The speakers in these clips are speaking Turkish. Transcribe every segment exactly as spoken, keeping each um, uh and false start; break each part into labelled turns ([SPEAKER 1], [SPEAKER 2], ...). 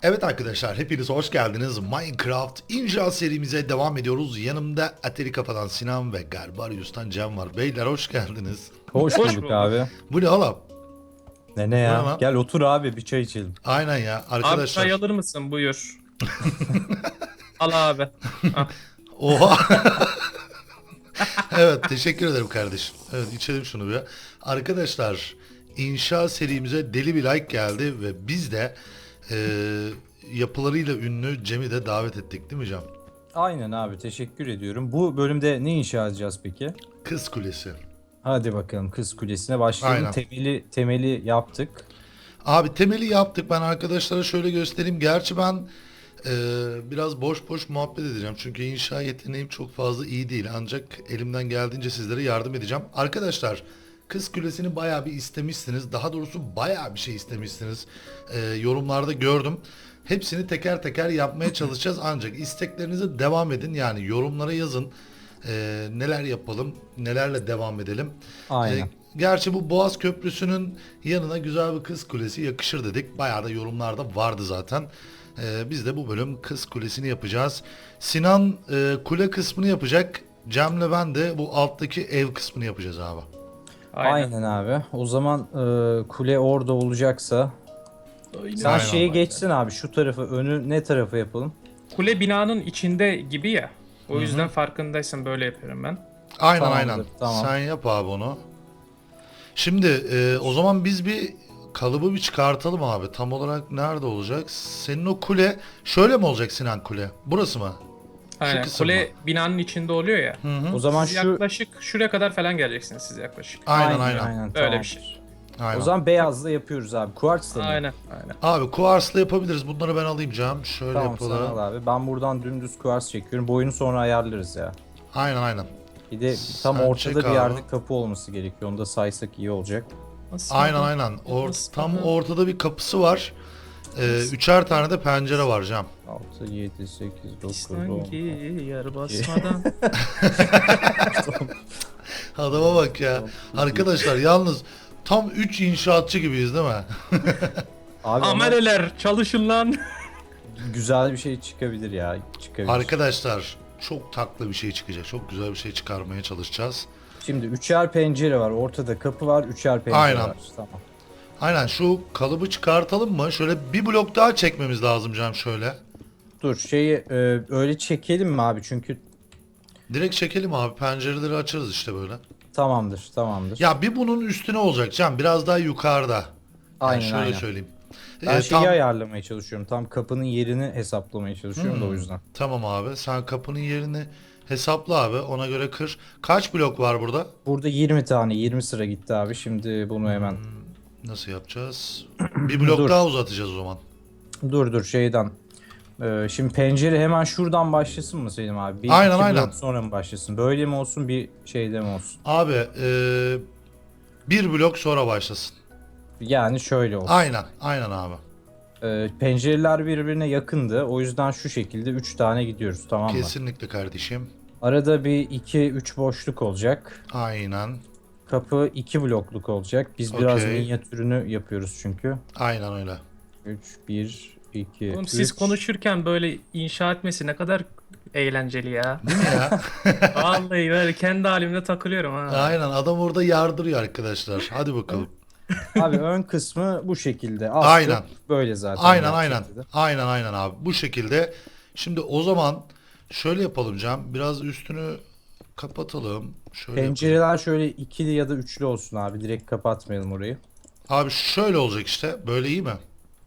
[SPEAKER 1] Evet arkadaşlar, hepiniz hoş geldiniz. Minecraft inşaat serimize devam ediyoruz. Yanımda Ateri Kafadan Sinan ve Garbarius'tan Cem var. Beyler hoş geldiniz.
[SPEAKER 2] Hoş
[SPEAKER 3] Hoş
[SPEAKER 2] bulduk
[SPEAKER 3] bulduk.
[SPEAKER 2] abi.
[SPEAKER 1] Bu ne oğlum?
[SPEAKER 2] Ne ne
[SPEAKER 1] Bu ne
[SPEAKER 2] ya?
[SPEAKER 1] lan?
[SPEAKER 2] Gel otur abi bir çay içelim.
[SPEAKER 1] Aynen ya
[SPEAKER 3] Abi
[SPEAKER 1] arkadaşlar.
[SPEAKER 3] çay alır mısın? Buyur. Al abi. Ah,
[SPEAKER 1] Oha. Evet, teşekkür ederim kardeşim. Evet, içelim şunu bir. Arkadaşlar, inşaat serimize deli bir like geldi ve biz de e, yapılarıyla ünlü Cem'i de davet ettik, değil mi Cem?
[SPEAKER 2] Aynen abi teşekkür ediyorum. Bu bölümde ne inşa edeceğiz peki?
[SPEAKER 1] Kız Kulesi.
[SPEAKER 2] Hadi bakalım Kız Kulesi'ne başlayalım.
[SPEAKER 1] Aynen.
[SPEAKER 2] Temeli temeli yaptık.
[SPEAKER 1] Abi temeli yaptık. Ben arkadaşlara şöyle göstereyim. Gerçi ben e, biraz boş boş muhabbet edeceğim. Çünkü inşa yeteneğim çok fazla iyi değil. Ancak elimden geldiğince sizlere yardım edeceğim. Arkadaşlar, Kız Kulesi'ni bayağı bir istemişsiniz. Daha doğrusu bayağı bir şey istemişsiniz. E, yorumlarda gördüm. Hepsini teker teker yapmaya çalışacağız. Ancak isteklerinize devam edin. Yani yorumlara yazın. E, neler yapalım, nelerle devam edelim.
[SPEAKER 2] Aynen.
[SPEAKER 1] E, Gerçi bu Boğaz Köprüsü'nün yanına güzel bir Kız Kulesi yakışır dedik. Bayağı da yorumlarda vardı zaten. Ee, biz de bu bölüm Kız Kulesi'ni yapacağız. Sinan e, kule kısmını yapacak. Cem'le ben de bu alttaki ev kısmını yapacağız abi.
[SPEAKER 3] aynen.
[SPEAKER 2] Aynen abi. O zaman e, kule orada olacaksa
[SPEAKER 3] Aynen.
[SPEAKER 2] sen
[SPEAKER 1] Aynen.
[SPEAKER 2] şeye geçsin abi şu tarafı önü ne tarafa yapalım?
[SPEAKER 3] Kule binanın içinde gibi ya. O yüzden farkındaysan böyle yapıyorum ben.
[SPEAKER 1] Aynen
[SPEAKER 2] Tamamdır,
[SPEAKER 1] aynen.
[SPEAKER 2] tamam.
[SPEAKER 1] Sen yap abi onu. Şimdi e, o zaman biz bir kalıbı bir çıkartalım abi. Tam olarak nerede olacak? Senin o kule şöyle mi olacak Sinan kule? Burası mı?
[SPEAKER 3] Aynen.
[SPEAKER 1] kısım
[SPEAKER 3] Kule binanın içinde oluyor ya.
[SPEAKER 1] Hı hı.
[SPEAKER 2] O zaman
[SPEAKER 3] Siz
[SPEAKER 2] şu
[SPEAKER 3] yaklaşık şuraya kadar falan geleceksiniz siz yaklaşık.
[SPEAKER 1] Aynen aynen.
[SPEAKER 3] Öyle
[SPEAKER 2] tamam.
[SPEAKER 3] bir şey.
[SPEAKER 1] Aynen.
[SPEAKER 2] O zaman beyazla yapıyoruz abi. Kuartsla mı?
[SPEAKER 3] Aynen. Aynen.
[SPEAKER 1] Abi kuarsla yapabiliriz. Bunları ben alayım Cem. Şöyle
[SPEAKER 2] Tamam sen
[SPEAKER 1] yapalım.
[SPEAKER 2] al abi. Ben buradan dümdüz kuars çekiyorum. Boyunu sonra ayarlarız ya.
[SPEAKER 1] Aynen aynen.
[SPEAKER 2] Bir de tam
[SPEAKER 1] Sen
[SPEAKER 2] ortada
[SPEAKER 1] çek
[SPEAKER 2] bir
[SPEAKER 1] abi.
[SPEAKER 2] yerde kapı olması gerekiyor. Onu da saysak iyi olacak.
[SPEAKER 3] Nasıl
[SPEAKER 1] Aynen
[SPEAKER 3] oldu?
[SPEAKER 1] aynen. Or
[SPEAKER 3] Nasıl
[SPEAKER 1] tam
[SPEAKER 3] oldu?
[SPEAKER 1] ortada bir kapısı var. Ee, üçer tane de pencere var Cem.
[SPEAKER 2] altı, yedi, sekiz, dokuz, on.
[SPEAKER 3] Sanki yer basmadan.
[SPEAKER 1] Adama bak ya. Arkadaşlar yalnız tam üç inşaatçı gibiyiz değil mi?
[SPEAKER 2] Abi ama
[SPEAKER 3] Ameleler çalışın lan.
[SPEAKER 2] güzel bir şey çıkabilir ya. Çıkabilir.
[SPEAKER 1] Arkadaşlar çok taklı bir şey çıkacak. Çok güzel bir şey çıkarmaya çalışacağız.
[SPEAKER 2] Şimdi üçer pencere var. Ortada kapı var. Üçer pencere
[SPEAKER 1] Aynen.
[SPEAKER 2] var. Tamam.
[SPEAKER 1] Aynen, şu kalıbı çıkartalım mı? Şöyle bir blok daha çekmemiz lazım Cem şöyle.
[SPEAKER 2] Dur şeyi e, öyle çekelim mi abi? Çünkü
[SPEAKER 1] Direkt çekelim abi. Pencereleri açarız işte böyle.
[SPEAKER 2] tamamdır. Tamamdır.
[SPEAKER 1] Ya bir bunun üstüne olacak Cem. Biraz daha yukarıda. Yani
[SPEAKER 2] Aynen,
[SPEAKER 1] şöyle
[SPEAKER 2] aynen.
[SPEAKER 1] söyleyeyim.
[SPEAKER 2] Ben
[SPEAKER 1] Ee,
[SPEAKER 2] şeyi
[SPEAKER 1] tam-
[SPEAKER 2] ayarlamaya çalışıyorum. Tam kapının yerini hesaplamaya çalışıyorum da o
[SPEAKER 1] Hmm.
[SPEAKER 2] yüzden.
[SPEAKER 1] Tamam abi. Sen kapının yerini hesapla abi. Ona göre kır. Kaç blok var burada?
[SPEAKER 2] Burada yirmi tane, yirmi sıra gitti abi. Şimdi bunu hemen
[SPEAKER 1] Nasıl yapacağız? Bir blok
[SPEAKER 2] Dur.
[SPEAKER 1] daha uzatacağız o zaman.
[SPEAKER 2] dur dur şeyden. Ee, şimdi pencere hemen şuradan başlasın mı Selim abi? Bir
[SPEAKER 1] Aynen,
[SPEAKER 2] iki
[SPEAKER 1] aynen.
[SPEAKER 2] blok sonra mı başlasın? Böyle mi olsun bir şeyde mi olsun?
[SPEAKER 1] Abi ee, bir blok sonra başlasın.
[SPEAKER 2] Yani şöyle olsun.
[SPEAKER 1] Aynen. Aynen abi.
[SPEAKER 2] Ee, pencereler birbirine yakındı. O yüzden şu şekilde üç tane gidiyoruz tamam mı?
[SPEAKER 1] Kesinlikle kardeşim.
[SPEAKER 2] Arada bir iki üç boşluk olacak.
[SPEAKER 1] Aynen.
[SPEAKER 2] Kapı iki blokluk olacak. Biz biraz
[SPEAKER 1] Okey.
[SPEAKER 2] minyatürünü yapıyoruz çünkü.
[SPEAKER 1] Aynen öyle.
[SPEAKER 2] üç, bir, iki,
[SPEAKER 3] Oğlum
[SPEAKER 2] üç.
[SPEAKER 3] siz konuşurken böyle inşa etmesi ne kadar eğlenceli ya.
[SPEAKER 1] Değil mi ya?
[SPEAKER 3] Vallahi böyle kendi halimde takılıyorum ha.
[SPEAKER 1] Aynen. Adam orada yardırıyor arkadaşlar. Hadi bakalım.
[SPEAKER 2] Abi ön kısmı bu şekilde. Alt
[SPEAKER 1] Aynen.
[SPEAKER 2] böyle zaten.
[SPEAKER 1] Aynen
[SPEAKER 2] yani
[SPEAKER 1] aynen.
[SPEAKER 2] şekilde.
[SPEAKER 1] Aynen aynen abi. Bu şekilde. Şimdi o zaman şöyle yapalım Cem. Biraz üstünü kapatalım. Şöyle yapalım.
[SPEAKER 2] Pencereler şöyle ikili ya da üçlü olsun abi. Direkt kapatmayalım orayı.
[SPEAKER 1] Abi şöyle olacak işte. Böyle iyi mi?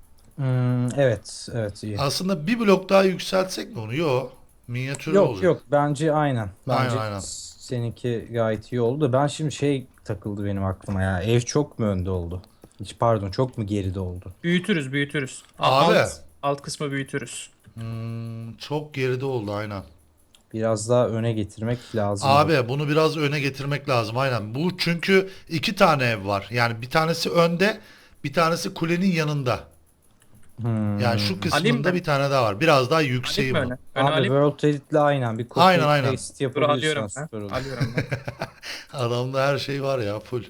[SPEAKER 2] Hmm, evet, evet iyi.
[SPEAKER 1] Aslında bir blok daha yükseltsek mi onu? Yok. Minyatür
[SPEAKER 2] Yok
[SPEAKER 1] olacak.
[SPEAKER 2] yok bence aynen. Bence
[SPEAKER 1] Aynen, aynen.
[SPEAKER 2] seninki gayet iyi oldu da ben şimdi şey takıldı benim aklıma ya. Ev çok mu önde oldu? Hiç pardon çok mu geride oldu?
[SPEAKER 3] Büyütürüz büyütürüz.
[SPEAKER 1] Abi.
[SPEAKER 3] Alt, alt kısmı büyütürüz.
[SPEAKER 1] Hmm, çok geride oldu aynen.
[SPEAKER 2] Biraz daha öne getirmek lazım.
[SPEAKER 1] Abi bunu biraz öne getirmek lazım aynen. Bu çünkü iki tane ev var. Yani bir tanesi önde, bir tanesi kulenin yanında.
[SPEAKER 2] Hmm.
[SPEAKER 1] Yani şu
[SPEAKER 3] Alayım
[SPEAKER 1] kısmında
[SPEAKER 3] mı?
[SPEAKER 1] bir tane daha var. Biraz daha
[SPEAKER 3] Alayım
[SPEAKER 1] yükseği
[SPEAKER 3] mı
[SPEAKER 1] bu.
[SPEAKER 3] öne? Öne
[SPEAKER 2] Abi
[SPEAKER 3] alayım.
[SPEAKER 2] World Edit'le aynen bir copy
[SPEAKER 1] Aynen, aynen.
[SPEAKER 2] paste
[SPEAKER 3] Dur alıyorum
[SPEAKER 2] yapabilirsen
[SPEAKER 3] ben.
[SPEAKER 2] süper olur.
[SPEAKER 3] Alıyorum ben.
[SPEAKER 1] Adamda her şey var ya full.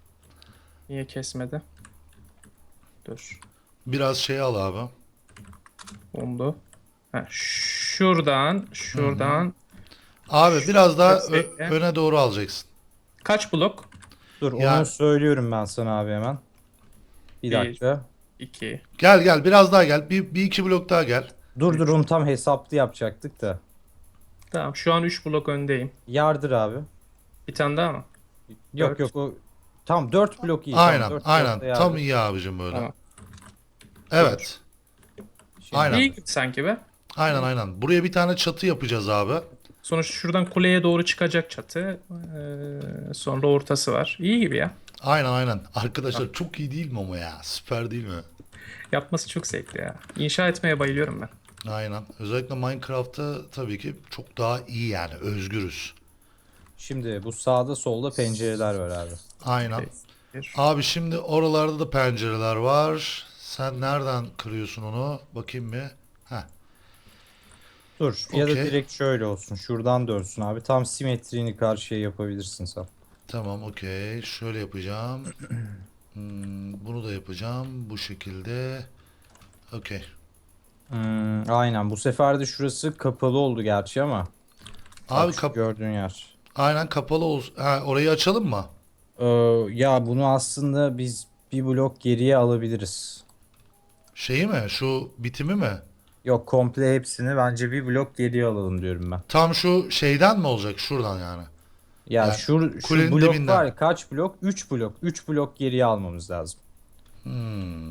[SPEAKER 3] Niye kesmedi? Dur.
[SPEAKER 1] Biraz şey al abi.
[SPEAKER 3] Oldu. Ha, şuradan, şuradan.
[SPEAKER 1] Abi biraz daha ö-
[SPEAKER 3] Bekle.
[SPEAKER 1] öne doğru alacaksın.
[SPEAKER 3] Kaç blok?
[SPEAKER 2] Dur
[SPEAKER 1] Ya-
[SPEAKER 2] onu söylüyorum ben sana abi hemen. Bir
[SPEAKER 3] Bir.
[SPEAKER 2] dakika.
[SPEAKER 3] iki.
[SPEAKER 1] Gel gel biraz daha gel. Bir, bir iki blok daha gel.
[SPEAKER 2] Dur dur onu tam hesaplı yapacaktık da.
[SPEAKER 3] Tamam, şu an üç blok öndeyim.
[SPEAKER 2] Yardır abi.
[SPEAKER 3] Bir tane daha mı?
[SPEAKER 2] Yok
[SPEAKER 3] Dört.
[SPEAKER 2] yok o tam dört blok iyi. Tamam,
[SPEAKER 1] Aynen
[SPEAKER 2] dört
[SPEAKER 1] aynen.
[SPEAKER 2] blokta yardır.
[SPEAKER 1] Tam iyi abicim böyle.
[SPEAKER 3] Tamam.
[SPEAKER 1] Evet.
[SPEAKER 2] Şimdi-
[SPEAKER 1] Aynen.
[SPEAKER 3] İyi gitti sanki be.
[SPEAKER 1] Aynen aynen. Buraya bir tane çatı yapacağız abi.
[SPEAKER 3] Sonuçta şuradan kuleye doğru çıkacak çatı. Ee, sonra ortası var. İyi gibi ya.
[SPEAKER 1] Aynen aynen. Arkadaşlar çok iyi değil mi ama ya? Süper değil mi?
[SPEAKER 3] Yapması çok zevkli ya. İnşa etmeye bayılıyorum ben.
[SPEAKER 1] Aynen. Özellikle Minecraft'ta tabii ki çok daha iyi yani. Özgürüz.
[SPEAKER 2] Şimdi bu sağda solda pencereler var abi.
[SPEAKER 1] Aynen.
[SPEAKER 3] Bir.
[SPEAKER 1] Abi şimdi oralarda da pencereler var. Sen nereden kırıyorsun onu? Bakayım bir. Heh.
[SPEAKER 2] Dur ya da
[SPEAKER 1] Okey.
[SPEAKER 2] direkt şöyle olsun. Şuradan dönsün abi. Tam simetriğini karşıya yapabilirsin sen.
[SPEAKER 1] Tamam okey. Şöyle yapacağım. Hmm, bunu da yapacağım. Bu şekilde. Okey.
[SPEAKER 2] Hmm, aynen bu sefer de şurası kapalı oldu gerçi ama.
[SPEAKER 1] Abi
[SPEAKER 2] Bak şu
[SPEAKER 1] kap
[SPEAKER 2] gördüğün yer.
[SPEAKER 1] aynen kapalı olsun. Ha, orayı açalım mı?
[SPEAKER 2] Ee, ya bunu aslında biz bir blok geriye alabiliriz.
[SPEAKER 1] Şeyi mi? Şu bitimi mi?
[SPEAKER 2] Yok komple hepsini bence bir blok geriye alalım diyorum ben.
[SPEAKER 1] Tam şu şeyden mi olacak? Şuradan yani.
[SPEAKER 2] Ya
[SPEAKER 1] Yani
[SPEAKER 2] şu, şu
[SPEAKER 1] kulenin
[SPEAKER 2] blok
[SPEAKER 1] dibinden.
[SPEAKER 2] var ya, kaç blok? üç blok. üç blok geriye almamız lazım.
[SPEAKER 1] Hmm.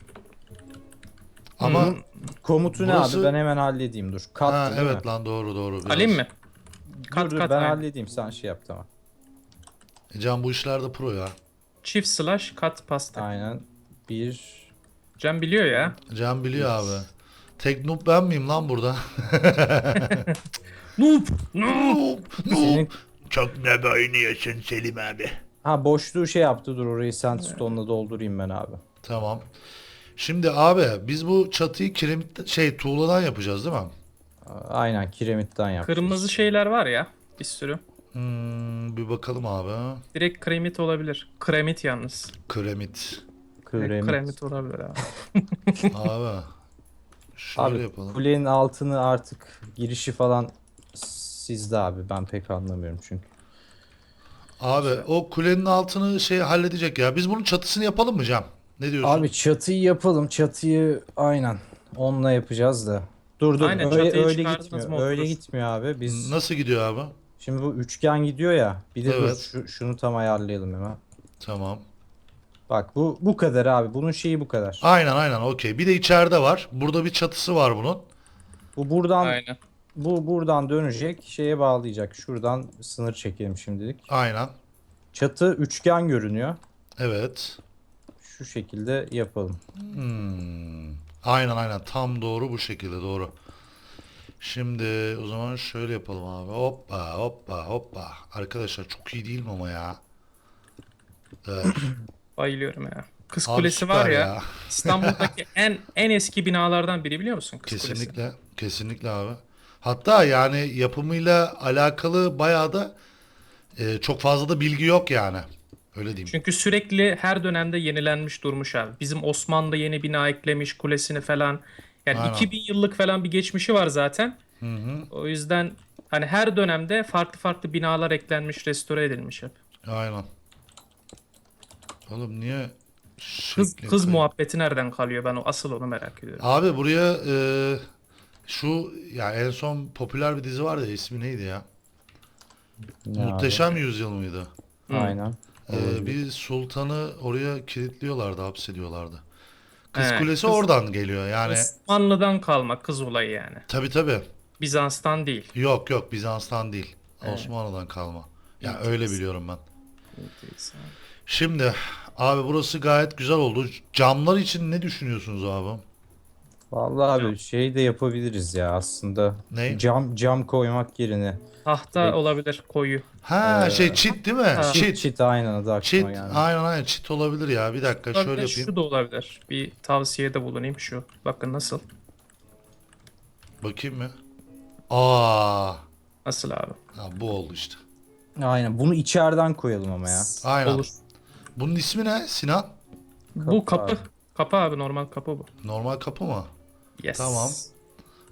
[SPEAKER 1] Ama
[SPEAKER 3] Hmm.
[SPEAKER 2] Komutu ne
[SPEAKER 1] Burası-
[SPEAKER 2] abi ben hemen halledeyim dur. Kat
[SPEAKER 1] ha,
[SPEAKER 2] değil mi?
[SPEAKER 1] evet lan doğru doğru. Biraz.
[SPEAKER 3] Alayım mı?
[SPEAKER 2] Dur,
[SPEAKER 3] Kat
[SPEAKER 2] dur,
[SPEAKER 3] kat
[SPEAKER 2] ben
[SPEAKER 3] aynen.
[SPEAKER 2] halledeyim sen şey yap tamam.
[SPEAKER 1] E, Can bu işlerde pro ya.
[SPEAKER 3] Çift slash kat pasta.
[SPEAKER 2] Aynen. Bir.
[SPEAKER 3] Can biliyor ya.
[SPEAKER 1] Can biliyor abi. Tek noob ben miyim lan burada?
[SPEAKER 3] Noob.
[SPEAKER 1] noob, noob.
[SPEAKER 2] Senin...
[SPEAKER 1] Çok ne oynuyorsun Selim abi.
[SPEAKER 2] Ha boşluğu şey yaptı dur orayı sandstone'la doldurayım ben abi.
[SPEAKER 1] Tamam. Şimdi abi biz bu çatıyı kiremit şey tuğladan yapacağız değil mi?
[SPEAKER 2] Aynen kiremitten yapacağız.
[SPEAKER 3] Kırmızı şeyler var ya. Bir sürü.
[SPEAKER 1] Hmm, bir bakalım abi.
[SPEAKER 3] Direkt kremit olabilir. Kremit yalnız.
[SPEAKER 1] Kremit.
[SPEAKER 3] Direkt
[SPEAKER 2] Kremit.
[SPEAKER 3] kremit olabilir abi.
[SPEAKER 1] Abi. Şöyle
[SPEAKER 2] Abi
[SPEAKER 1] yapalım.
[SPEAKER 2] kulenin altını artık girişi falan sizde abi ben pek anlamıyorum çünkü.
[SPEAKER 1] Abi o kulenin altını şey halledecek ya. Biz bunun çatısını yapalım mı Can? Ne diyorsun?
[SPEAKER 2] Abi çatıyı yapalım çatıyı aynen onunla yapacağız da. Dur dur
[SPEAKER 3] Aynen,
[SPEAKER 2] öyle,
[SPEAKER 3] çatıyı
[SPEAKER 2] öyle
[SPEAKER 3] çıkardınız
[SPEAKER 2] gitmiyor
[SPEAKER 3] mı
[SPEAKER 2] öyle
[SPEAKER 3] oturur.
[SPEAKER 2] gitmiyor abi biz
[SPEAKER 1] Nasıl gidiyor abi?
[SPEAKER 2] şimdi bu üçgen gidiyor ya bir de dur
[SPEAKER 1] Evet.
[SPEAKER 2] şu, şunu tam ayarlayalım hemen.
[SPEAKER 1] Tamam.
[SPEAKER 2] Bak bu bu kadar abi bunun şeyi bu kadar.
[SPEAKER 1] Aynen aynen okey. Bir de içeride var. Burada bir çatısı var bunun.
[SPEAKER 2] Bu buradan
[SPEAKER 3] Aynen.
[SPEAKER 2] bu buradan dönecek şeye bağlayacak şuradan sınır çekelim şimdilik.
[SPEAKER 1] Aynen.
[SPEAKER 2] Çatı üçgen görünüyor.
[SPEAKER 1] Evet.
[SPEAKER 2] Şu şekilde yapalım.
[SPEAKER 1] Hmm. Aynen aynen. Tam doğru bu şekilde doğru. Şimdi o zaman şöyle yapalım abi. Hoppa hoppa hoppa. Arkadaşlar çok iyi değil mi ama ya? Evet.
[SPEAKER 3] Bayılıyorum ya. Kız
[SPEAKER 1] Abi
[SPEAKER 3] Kulesi
[SPEAKER 1] süper
[SPEAKER 3] var ya, İstanbul'daki en en eski binalardan biri biliyor musun Kız Kulesi?
[SPEAKER 1] Kesinlikle. Kesinlikle abi. Hatta yani yapımıyla alakalı bayağı da e, çok fazla da bilgi yok yani. Öyle diyeyim.
[SPEAKER 3] Çünkü sürekli her dönemde yenilenmiş durmuş abi. Bizim Osmanlı yeni bina eklemiş kulesini falan. Yani
[SPEAKER 1] Aynen.
[SPEAKER 3] iki bin yıllık falan bir geçmişi var zaten.
[SPEAKER 1] Hı hı.
[SPEAKER 3] O yüzden hani her dönemde farklı farklı binalar eklenmiş, restore edilmiş hep.
[SPEAKER 1] Aynen. Oğlum niye
[SPEAKER 3] Kız
[SPEAKER 1] şekli
[SPEAKER 3] kız
[SPEAKER 1] kay-
[SPEAKER 3] muhabbeti nereden kalıyor? Ben o asıl onu merak ediyorum.
[SPEAKER 1] Abi buraya e, şu ya en son popüler bir dizi vardı ya, ismi neydi ya?
[SPEAKER 2] Ne abi?
[SPEAKER 1] Muhteşem Yüzyıl mıydı?
[SPEAKER 3] Hı.
[SPEAKER 2] Aynen.
[SPEAKER 1] E, bir sultanı oraya kilitliyorlardı, hapsediyorlardı. Kız
[SPEAKER 3] He,
[SPEAKER 1] Kulesi
[SPEAKER 3] kız-
[SPEAKER 1] oradan geliyor yani.
[SPEAKER 3] Osmanlı'dan kalma kız olayı yani.
[SPEAKER 1] Tabi tabi.
[SPEAKER 3] Bizans'tan değil.
[SPEAKER 1] Yok yok Bizans'tan değil.
[SPEAKER 3] Evet.
[SPEAKER 1] Osmanlı'dan kalma. Ya
[SPEAKER 3] İyi,
[SPEAKER 1] öyle
[SPEAKER 3] kesin.
[SPEAKER 1] biliyorum ben. Şimdi abi burası gayet güzel oldu. Camlar için ne düşünüyorsunuz abi?
[SPEAKER 2] Vallahi abi şey de yapabiliriz ya aslında.
[SPEAKER 1] Ne?
[SPEAKER 2] Cam cam koymak yerine.
[SPEAKER 3] Tahta
[SPEAKER 2] Peki.
[SPEAKER 3] olabilir koyu.
[SPEAKER 1] Ha
[SPEAKER 2] Ee,
[SPEAKER 1] şey çit değil mi?
[SPEAKER 3] ha.
[SPEAKER 2] Çit
[SPEAKER 1] Çit.
[SPEAKER 2] çit aynen adı aklıma
[SPEAKER 1] Çit.
[SPEAKER 2] geldi.
[SPEAKER 1] Aynen aynen çit olabilir ya. Bir dakika şöyle
[SPEAKER 3] Olabilir,
[SPEAKER 1] yapayım.
[SPEAKER 3] şu da olabilir. Bir tavsiyede bulunayım şu. Bakın nasıl.
[SPEAKER 1] Bakayım mı? Aa,
[SPEAKER 3] Nasıl abi?
[SPEAKER 1] ha, bu oldu işte.
[SPEAKER 2] Aynen bunu içeriden koyalım ama ya.
[SPEAKER 1] Aynen.
[SPEAKER 3] Olur.
[SPEAKER 1] Bunun ismi ne Sinan?
[SPEAKER 3] Bu
[SPEAKER 2] Kapı
[SPEAKER 3] kapı.
[SPEAKER 2] abi.
[SPEAKER 3] Kapı abi, normal kapı bu.
[SPEAKER 1] Normal kapı mı?
[SPEAKER 3] Yes.
[SPEAKER 1] Tamam.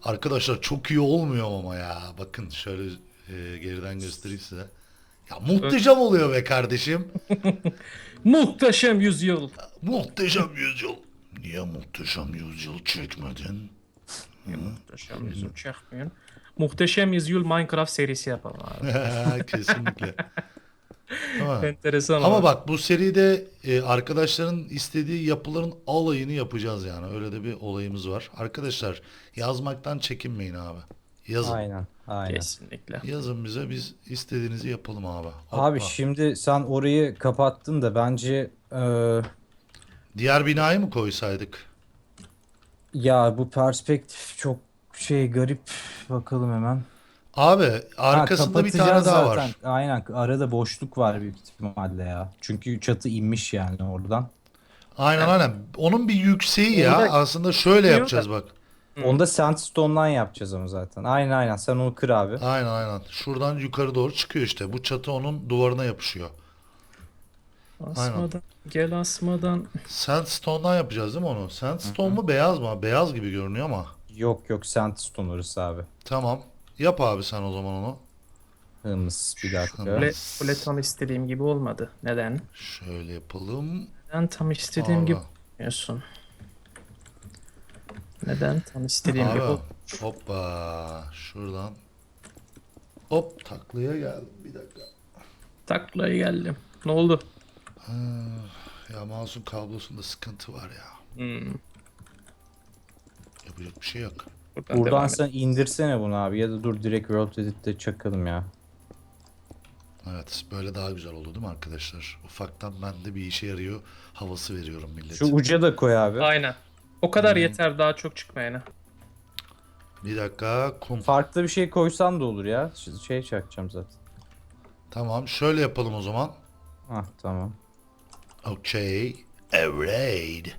[SPEAKER 1] Arkadaşlar çok iyi olmuyor ama ya. Bakın şöyle e, geriden göstereyim size. Ya muhteşem oluyor be kardeşim.
[SPEAKER 3] Muhteşem yüzyıl.
[SPEAKER 1] Muhteşem yüzyıl. Niye muhteşem yüzyıl çekmedin?
[SPEAKER 3] Muhteşem yüzyıl çekmeyin. Muhteşem yüzyıl Minecraft serisi yapalım abi.
[SPEAKER 1] Kesinlikle. Tamam.
[SPEAKER 3] Enteresan
[SPEAKER 1] Ama
[SPEAKER 3] olur.
[SPEAKER 1] bak bu seride e, arkadaşların istediği yapıların alayını yapacağız yani. Öyle de bir olayımız var. Arkadaşlar yazmaktan çekinmeyin abi. Yazın.
[SPEAKER 2] Aynen. Aynen.
[SPEAKER 3] Kesinlikle.
[SPEAKER 1] Yazın bize, biz istediğinizi yapalım abi.
[SPEAKER 2] Abi
[SPEAKER 1] Hoppa.
[SPEAKER 2] şimdi sen orayı kapattın da bence eee,
[SPEAKER 1] Diğer binayı mı koysaydık?
[SPEAKER 2] ya bu perspektif çok şey garip. Bakalım hemen.
[SPEAKER 1] Abi
[SPEAKER 2] Ha,
[SPEAKER 1] arkasında bir tane
[SPEAKER 2] kapatacağız
[SPEAKER 1] daha
[SPEAKER 2] zaten.
[SPEAKER 1] var.
[SPEAKER 2] Aynen, arada boşluk var büyük ihtimalle ya. Çünkü çatı inmiş yani oradan.
[SPEAKER 1] Aynen aynen. Onun bir yükseği ya.
[SPEAKER 3] Orada-
[SPEAKER 1] Aslında şöyle
[SPEAKER 3] Diyor
[SPEAKER 1] yapacağız
[SPEAKER 3] da-
[SPEAKER 1] bak.
[SPEAKER 3] Hı.
[SPEAKER 2] Onu da sandstone'dan yapacağız ama zaten. Aynen aynen, sen onu kır abi.
[SPEAKER 1] Aynen aynen. Şuradan yukarı doğru çıkıyor işte. Bu çatı onun duvarına yapışıyor.
[SPEAKER 3] Asmadan. Gel asmadan.
[SPEAKER 1] Sandstone'dan yapacağız değil mi onu? Sandstone mu beyaz mı? Beyaz gibi görünüyor ama.
[SPEAKER 2] Yok yok, sandstone orası abi.
[SPEAKER 1] Tamam. Yap abi sen o zaman onu.
[SPEAKER 2] Hımız bir dakika.
[SPEAKER 1] Şöyle.
[SPEAKER 3] Kule, kule tam istediğim gibi olmadı. Neden?
[SPEAKER 1] Şöyle yapalım.
[SPEAKER 3] Neden tam istediğim
[SPEAKER 1] Abi.
[SPEAKER 3] gibi yapmıyorsun? Neden tam istediğim gibi?
[SPEAKER 1] Abi. Hoppa. Şuradan. Hop taklaya geldim. Bir dakika.
[SPEAKER 3] Taklaya geldim. Ne oldu?
[SPEAKER 1] Ha, ya mouse'un kablosunda sıkıntı var ya.
[SPEAKER 3] Hmm.
[SPEAKER 1] Yapacak bir şey yok.
[SPEAKER 3] Buradan
[SPEAKER 2] Buradan
[SPEAKER 3] devam
[SPEAKER 2] sen indirsene bunu abi, ya da dur direkt World Edit'te çakalım ya.
[SPEAKER 1] Evet, böyle daha güzel oldu değil mi arkadaşlar? Ufaktan ben de bir işe yarıyor havası veriyorum millete.
[SPEAKER 2] Şu uca da koy abi.
[SPEAKER 3] Aynen. O kadar yeter, daha çok çıkmayana.
[SPEAKER 1] Bir dakika kum.
[SPEAKER 2] Farklı bir şey koysan da olur ya. Ş- Şey çakacağım zaten.
[SPEAKER 1] Tamam, şöyle yapalım o zaman.
[SPEAKER 2] Ah tamam.
[SPEAKER 1] Okay. Alright.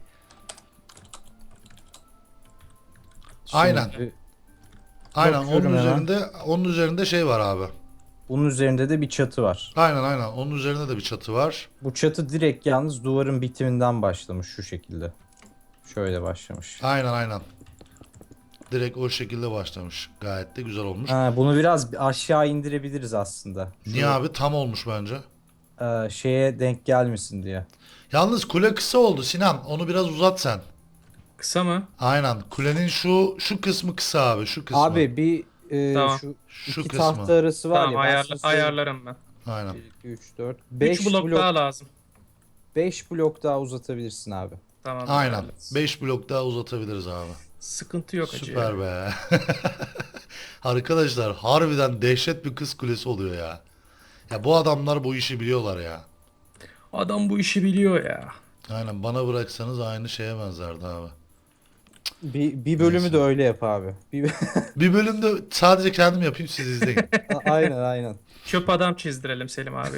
[SPEAKER 1] Aynen.
[SPEAKER 2] Şimdi
[SPEAKER 1] Aynen onun
[SPEAKER 2] bakıyorum hemen.
[SPEAKER 1] üzerinde onun üzerinde şey var abi.
[SPEAKER 2] bunun üzerinde de bir çatı var.
[SPEAKER 1] Aynen aynen. Onun üzerinde de bir çatı var.
[SPEAKER 2] Bu çatı direkt yalnız duvarın bitiminden başlamış şu şekilde. Şöyle başlamış.
[SPEAKER 1] Aynen aynen. Direkt o şekilde başlamış. Gayet de güzel olmuş.
[SPEAKER 2] Ha, bunu biraz aşağı indirebiliriz aslında. Şu,
[SPEAKER 1] Niye abi? Tam olmuş bence.
[SPEAKER 2] e, şeye denk gelmesin diye.
[SPEAKER 1] Yalnız kule kısa oldu Sinan. Onu biraz uzat sen.
[SPEAKER 3] Kısa mı?
[SPEAKER 1] Aynen. Kulenin şu şu kısmı kısa abi. Şu kısmı.
[SPEAKER 2] Abi bir e,
[SPEAKER 3] Tamam.
[SPEAKER 2] şu,
[SPEAKER 1] Şu
[SPEAKER 2] iki
[SPEAKER 1] kısmı.
[SPEAKER 2] tahta arası var
[SPEAKER 3] Tamam,
[SPEAKER 2] ya. ben
[SPEAKER 3] ayarla,
[SPEAKER 2] sana söyleyeyim.
[SPEAKER 3] ayarlarım ben.
[SPEAKER 1] Aynen.
[SPEAKER 2] bir, iki, üç, dört,
[SPEAKER 3] üç
[SPEAKER 2] beş
[SPEAKER 3] blok,
[SPEAKER 2] blok,
[SPEAKER 3] daha lazım.
[SPEAKER 2] beş blok daha uzatabilirsin abi.
[SPEAKER 3] Tamam.
[SPEAKER 1] Aynen.
[SPEAKER 3] evet.
[SPEAKER 1] beş blok daha uzatabiliriz abi.
[SPEAKER 3] Sıkıntı yok acı.
[SPEAKER 1] Süper be. Arkadaşlar harbiden dehşet bir kız kulesi oluyor ya. Ya bu adamlar bu işi biliyorlar ya.
[SPEAKER 3] Adam bu işi biliyor ya.
[SPEAKER 1] Aynen, bana bıraksanız aynı şeye benzerdi abi.
[SPEAKER 2] Bir, bir bölümü
[SPEAKER 1] Neyse.
[SPEAKER 2] de öyle yap abi. Bir...
[SPEAKER 1] Bir bölümde sadece kendim yapayım, siz izleyin.
[SPEAKER 2] A- aynen aynen.
[SPEAKER 3] Çöp adam çizdirelim Selim abi.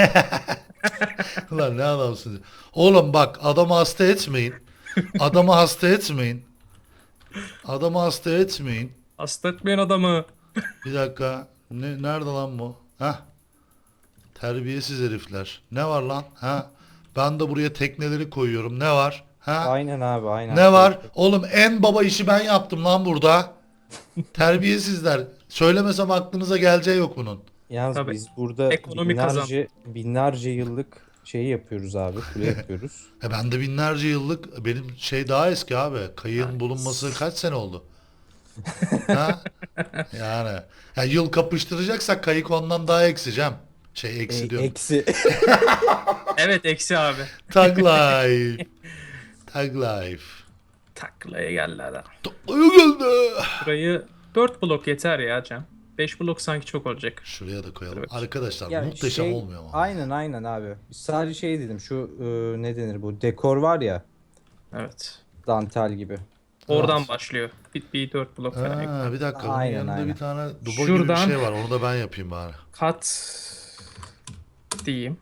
[SPEAKER 1] Ulan ne adamsınız. Oğlum bak, adamı hasta etmeyin. Adamı hasta etmeyin. Adamı hasta etmeyin.
[SPEAKER 3] Hasta etmeyen adamı.
[SPEAKER 1] Bir dakika. Ne, nerede lan bu? Heh. Terbiyesiz herifler. Ne var lan? Ha? Ben de buraya tekneleri koyuyorum. Ne var? Ha?
[SPEAKER 2] Aynen abi aynen.
[SPEAKER 1] Ne var? Oğlum en baba işi ben yaptım lan burada. Terbiyesizler. Söylemesem aklınıza geleceği yok bunun.
[SPEAKER 2] Yalnız
[SPEAKER 3] Tabii.
[SPEAKER 2] biz burada
[SPEAKER 3] Ekonomi kazan.
[SPEAKER 2] binlerce, binlerce yıllık şeyi yapıyoruz abi. Kule yapıyoruz.
[SPEAKER 1] E ben de binlerce yıllık, benim şey daha eski abi. Kayığın bulunması kaç sene oldu? Ha? Yani. Ya yıl kapıştıracaksak kayık ondan daha eksicem. Şey eksi
[SPEAKER 2] E,
[SPEAKER 1] diyorum.
[SPEAKER 2] eksi.
[SPEAKER 3] Evet, eksi abi.
[SPEAKER 1] Tag life. Tag life.
[SPEAKER 3] Taklaya geldi adam.
[SPEAKER 1] Taklaya geldi.
[SPEAKER 3] Burayı dört blok yeter ya Cem. beş blok sanki çok olacak.
[SPEAKER 1] Şuraya da koyalım.
[SPEAKER 3] Evet.
[SPEAKER 1] Arkadaşlar
[SPEAKER 2] Ya
[SPEAKER 1] muhteşem
[SPEAKER 2] şey-
[SPEAKER 1] olmuyor mu?
[SPEAKER 2] Aynen aynen abi. Sadece şey dedim, şu e, ne denir, bu dekor var ya,
[SPEAKER 3] Evet.
[SPEAKER 2] dantel gibi.
[SPEAKER 3] Oradan
[SPEAKER 1] Evet.
[SPEAKER 3] başlıyor. Bir, bir dört blok falan. ekle.
[SPEAKER 1] Ha, bir dakika. Bunun
[SPEAKER 2] Aynen,
[SPEAKER 1] yanında
[SPEAKER 2] aynen.
[SPEAKER 1] bir tane duba gibi bir
[SPEAKER 3] Şuradan-
[SPEAKER 1] şey var. Onu da ben yapayım bari.
[SPEAKER 3] Kat diyeyim.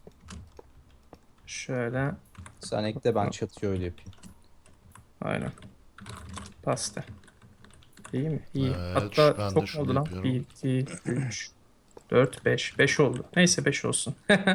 [SPEAKER 3] Şöyle.
[SPEAKER 2] Sen ekle, ben çatıyı öyle yapayım.
[SPEAKER 3] Aynen. Pasta. İyi mi? İyi.
[SPEAKER 1] Evet,
[SPEAKER 3] Hatta
[SPEAKER 1] ben de
[SPEAKER 3] çok mu
[SPEAKER 1] şunu
[SPEAKER 3] oldu lan?
[SPEAKER 1] yapıyorum.
[SPEAKER 3] bir, iki, üç, dört, beş. beş oldu. Neyse beş olsun.